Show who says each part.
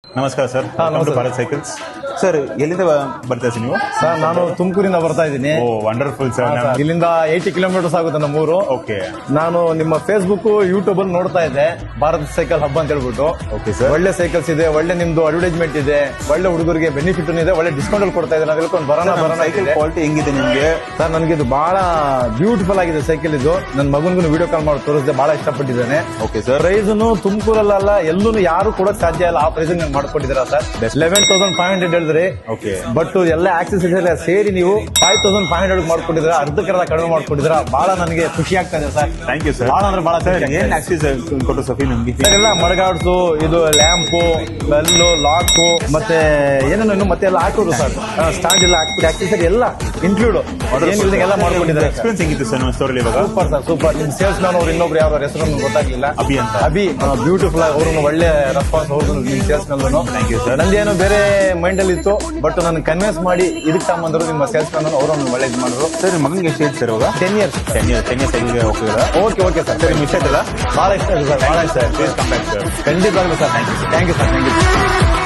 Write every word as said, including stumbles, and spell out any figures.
Speaker 1: ನಮಸ್ಕಾರ ಸರ್.
Speaker 2: ಹಾ, ನಮಸ್ತೆ.
Speaker 1: Bharat cycles sir. ಎಲ್ಲಿಂದ ಬರ್ತಾ ಇದ್ದೀವಿ ನೀವು?
Speaker 2: ಸರ್ ನಾನು ತುಮಕೂರಿಂದ ಬರ್ತಾ ಇದ್ದೀನಿ.
Speaker 1: Oh wonderful sir.
Speaker 2: ಇಲ್ಲಿಂದ ಏಯ್ಟಿ ಕಿಲೋಮೀಟರ್ಸ್ ಆಗುತ್ತೆ ನಮ್ಮೂರು.
Speaker 1: ಓಕೆ.
Speaker 2: ನಾನು ನಿಮ್ಮ ಫೇಸ್ಬುಕ್ ಯೂಟ್ಯೂಬ್ ಅಲ್ಲಿ ನೋಡ್ತಾ ಇದ್ದೆ ಭಾರತ್ ಸೈಕಲ್ ಹಬ್ಬ ಅಂತ ಹೇಳ್ಬಿಟ್ಟು.
Speaker 1: Okay sir.
Speaker 2: ಒಳ್ಳೆ ಸೈಕಲ್ಸ್ ಇದೆ, ಒಳ್ಳೆ ನಿಮ್ದು ಅಡ್ವರ್ಟೈಸ್ಮೆಂಟ್ ಇದೆ, ಒಳ್ಳೆ ಹುಡುಗರಿಗೆ ಬೆನಿಫಿಟ್ ಇದೆ, ಒಳ್ಳೆ ಡಿಸ್ಕೌಂಟ್ ಅಲ್ಲಿ ಕೊಡ್ತಾ ಇದ್ದಾರೆ. ಹೇಳ್ಕೊಂಡು ಬರೋಣ ಬರೋಣ.
Speaker 1: ಸೈಕಲ್ ಕ್ವಾಲಿಟಿ ಹೆಂಗಿದೆ ನಿಮ್ಗೆ?
Speaker 2: ಸರ್ ನನಗೆ ಇದು ಬಹಳ ಬ್ಯೂಟಿಫುಲ್ ಆಗಿದೆ ಸೈಕಲ್. ಇದು ನನ್ನ ಮಗನ್ಗೂ ವಿಡಿಯೋ ಕಾಲ್ ಮಾಡಿ ತೋರಿಸಿದೆ, ಬಹಳ ಇಷ್ಟಪಟ್ಟಿದ್ದಾನೆ.
Speaker 1: Okay sir.
Speaker 2: ಪ್ರೈಸ್ನು ತುಮಕೂರಲ್ಲ ಎಲ್ಲೂ ಯಾರು ಕೂಡ ಸಾಧ್ಯ ಇಲ್ಲ ಆ ಪ್ರೈಸ್ ನೀವು ಮಾಡ್ಕೊಟ್ಟಿದ್ದೀರಾ sir. Eleven thousand five hundred ಹೇಳಿದ್ರಿ.
Speaker 1: ಓಕೆ.
Speaker 2: ಬಟ್ ಎಲ್ಲ ಆಕ್ಸೆಸ್ ಎಲ್ಲ ಸೇರಿ ನೀವು ಫೈವ್ ತೌಸಂಡ್ ಫೈವ್ ಹಂಡ್ರೆಡ್ ಮಾಡ್ಕೊಟ್ಟಿದ್ದೀರಾ, ಅರ್ಧಕ್ಕರ್ಧ ಕಡಿಮೆ ಮಾಡ್ಕೊಟ್ಟಿದ್ದೀರಾ. ಬಹಳ ನನಗೆ ಖುಷಿ ಆಗ್ತಾ ಇದೆ ಸರ್.
Speaker 1: Thank you sir.
Speaker 2: ಬಹಳ ಅಂದ್ರೆ ಬಹಳ
Speaker 1: ಏನ್ ಆಕ್ಸಿಸ್ ಕೊಟ್ಟು ಸಫಿ ನಮ್ಗೆ?
Speaker 2: ಎಲ್ಲ ಮಡಗಾಡ್ಸು, ಇದು ಲ್ಯಾಂಪು, ಬೆಲ್ಲು, ಲಾಕು, ಮತ್ತೆ ಏನೇನು ಇನ್ನು ಮತ್ತೆ ಎಲ್ಲ ಹಾಕೋದು ಸರ್. ಸ್ಟ್ಯಾಂಡ್ ಎಲ್ಲ ಹಾಕ್ಬಿಟ್ಟು ಆಕ್ಸೆಸರಿ ಎಲ್ಲ ಇನ್ಕ್ಲೂಡ್ ಎಲ್ಲ ಮಾಡ್ಕೊಂಡಿದ್ದಾರೆ.
Speaker 1: ಎಕ್ಸ್ಪೀರಿಯನ್ಸ್ ಹೆಂಗಿತ್ತು ಸರ್ ನಮ್ಮ ಸ್ಟೋರಲ್ಲಿ ಇವಾಗ?
Speaker 2: Super sir, super. ನಿಮ್ ಸೇಲ್ಸ್ ಮ್ಯಾನ್ ಅವ್ರು ಇನ್ನೊಬ್ರು ಯಾವ್ದಾರು ಹೆಸರು ಗೊತ್ತಾಗ್ಲಿಲ್ಲ,
Speaker 1: ಅಭಿ ಅಂತ.
Speaker 2: ಅಭಿ ಬ್ಯೂಟಿಫುಲ್ ಆಗಿ ಅವ್ರನ್ನು ಒಳ್ಳೆ ರೆಸ್ಪಾನ್ಸ್ ಅವ್ರದ್ದು ನಿಮ್ salesman.
Speaker 1: Thank you sir.
Speaker 2: ನಂದೇನೋ ಬೇರೆ ಮೈಂಡ್ ಅಲ್ಲಿ ಇತ್ತು, ಬಟ್ ನನ್ನ ಕನ್ವಿನ್ಸ್ ಮಾಡಿ ಇದಕ್ಕೆ ತಗೊಂಡ್ರು ನಿಮ್ಮ ಸೇಲ್ಸ್ ಮ್ಯಾನ್ ಅವರನ್ನು ಒಳ್ಳೇದು ಮಾಡಿದ್ರು.
Speaker 1: ಸರ್ ಮಗನಿಗೆ ಎಷ್ಟು ಏಜ್ ಸರ್ ಇವಾಗ?
Speaker 2: Ten years.
Speaker 1: Ten years ten years ಆಗಿದೆ. ಹೋಗ್ತಿದ್ದೀರಾ?
Speaker 2: Okay okay sir.
Speaker 1: ಸರ್ ನಿಮ್ಗೆ ಇಷ್ಟ ಆಯ್ತಲ್ಲ?
Speaker 2: ಬಹಳ ಇಷ್ಟ ಆಗಿದೆ ಸರ್, ಬಹಳ ಇಷ್ಟ ಆಯ್ತು.
Speaker 1: Please come back sir.
Speaker 2: ಖಂಡಿತವಾಗ್ಲೂ sir. Thank you sir. Thank you sir. Thank you.